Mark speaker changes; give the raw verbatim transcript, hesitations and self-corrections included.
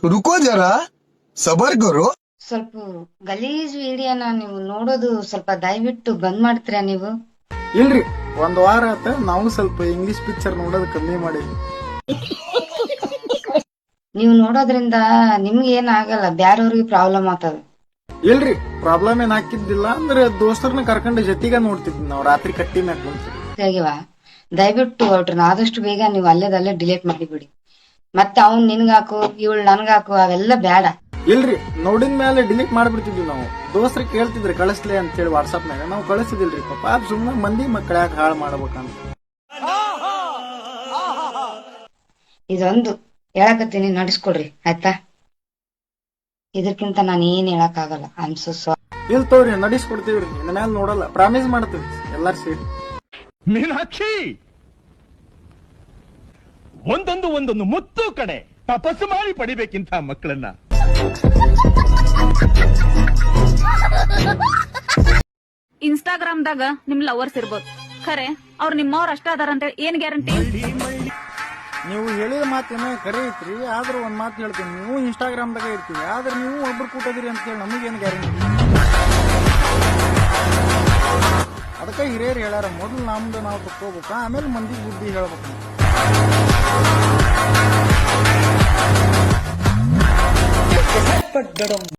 Speaker 1: रुको जरा सबर करो.
Speaker 2: ಸ್ವಲ್ಪ ಗಲೀಜ್ ವಿಡಿಯೋನ ನೀವು ನೋಡೋದು ಸ್ವಲ್ಪ ದಯವಿಟ್ಟು ಬಂದ್ ಮಾಡ್ತೀರಾ ನೀವು?
Speaker 3: ಇಲ್ರಿ, ಒಂದ್ ವಾರ ಆತ ನಾವು ಸ್ವಲ್ಪ ಇಂಗ್ಲಿಷ್ ಪಿಕ್ಚರ್ ನೋಡೋದು ಕಮ್ಮಿ ಮಾಡಿದ್ವಿ.
Speaker 2: ನೀವು ನೋಡೋದ್ರಿಂದ ನಿಮ್ಗೆ ಏನ್ ಆಗಲ್ಲ, ಬ್ಯಾರವ್ರಿಗೆ ಪ್ರಾಬ್ಲಮ್ ಆಗ್ತದ.
Speaker 3: ಇಲ್ರಿ, ಪ್ರಾಬ್ಲಮ್ ಏನ್ ಹಾಕಿದ್ದಿಲ್ಲ ಅಂದ್ರೆ ದೋಸ್ತರನ್ನ ಕರ್ಕೊಂಡು ಜೊತೆಗ ನೋಡ್ತಿದ್ವಿ ನಾವು ರಾತ್ರಿ ಕಟ್ಟಿ ಮ್ಯಾಗ ಕುಂತು.
Speaker 2: ಸರಿವಾ, ದಯವಿಟ್ಟು ಹೊರಟ್ರನ್ನ ಆದಷ್ಟು ಬೇಗ ನೀವು ಅಲ್ಲೇದಲ್ಲೇ ಡಿಲೀಟ್ ಮಾಡಿಬಿಡಿ. ಮತ್ತೆ ಅವ್ನ್ ನಿನ್ಗಾಕು ಇವಳು ನನ್ಗಾಕು ಅವೆಲ್ಲ ಬೇಡ.
Speaker 3: ಇಲ್ರಿ, ನೋಡಿದ ಮೇಲೆ ಡಿಲೀಟ್ ಮಾಡ್ಬಿಡ್ತಿದ್ವಿ ನಾವು. ದೋಸ್ತ್ರಿ ಕೇಳ್ತಿದ್ರಿ ಕಳಿಸ್ಲಿ ಅಂತ ಹೇಳಿ ವಾಟ್ಸ್ಆಪ್ ನಾಗ, ನಾವು ಕಳಿಸಿದಿಲ್ರಿ. ಪಾಪ ಸುಮ್ಮನೆ ಮಂದಿ ಮಕ್ಕಳ ಯಾಕೆ ಹಾಳು ಮಾಡ್ಬೇಕಂತ.
Speaker 2: ಇದೊಂದು ಹೇಳಕತ್ತೀನಿ, ನಡೆಸ್ಕೊಡ್ರಿ ಆಯ್ತಾ? ಇದಕ್ಕಿಂತ ನಾನು ಏನ್ ಹೇಳಕ್ ಆಗಲ್ಲ. I am so sorry.
Speaker 3: ಇಲ್ ತೋರಿ, ನಡೆಸ್ಕೊಡ್ತೀವ್ರಿ. ಇನ್ನ ಮ್ಯಾಲ ನೋಡಲ್ಲ, ಪ್ರಾಮಿಸ್ ಮಾಡ್ತೀವಿ ಎಲ್ಲಾರು ಸೇರಿ.
Speaker 4: ಮೀನಾಕ್ಷಿ, ಒಂದೊಂದು ಒಂದೊಂದು ಮುತ್ತು ಕಡೆ ತಪಸ್ಸು ಮಾಡಿ ಪಡಿಬೇಕಿಂತ ಮಕ್ಕಳನ್ನ.
Speaker 5: ಇನ್ಸ್ಟಾಗ್ರಾಮ್ದಾಗ ನಿಮ್ ಲವರ್ಸ್ ಇರ್ಬೋದು, ಖರೆ ಅವ್ರು ನಿಮ್ಮವ್ರ ಅಷ್ಟ ಅದಾರ ಅಂತ ಏನ್ ಗ್ಯಾರಂಟಿ?
Speaker 3: ನೀವು ಹೇಳಿದ ಮಾತೇನೋ ಕರೆ ಐತ್ರಿ, ಆದ್ರೂ ಒಂದ್ ಮಾತು ಹೇಳ್ತೀನಿ. ನೀವು ಇನ್ಸ್ಟಾಗ್ರಾಮ್ದಾಗ ಇರ್ತೀವಿ, ಆದ್ರೆ ನೀವು ಒಬ್ರು ಕೂಟದಿರಿ ಅಂತ ಹೇಳಿ ನಮಗೇನು ಗ್ಯಾರಂಟಿ? ಅದಕ್ಕೆ ಹಿರಿಯರು ಹೇಳ್ಯಾರ, ಮೊದಲು ನಮ್ದು ನಾವು ತಕ್ಕೋಬೇಕು, ಆಮೇಲೆ ಮಂದಿ ಬುದ್ಧಿ ಹೇಳ್ಬೇಕು.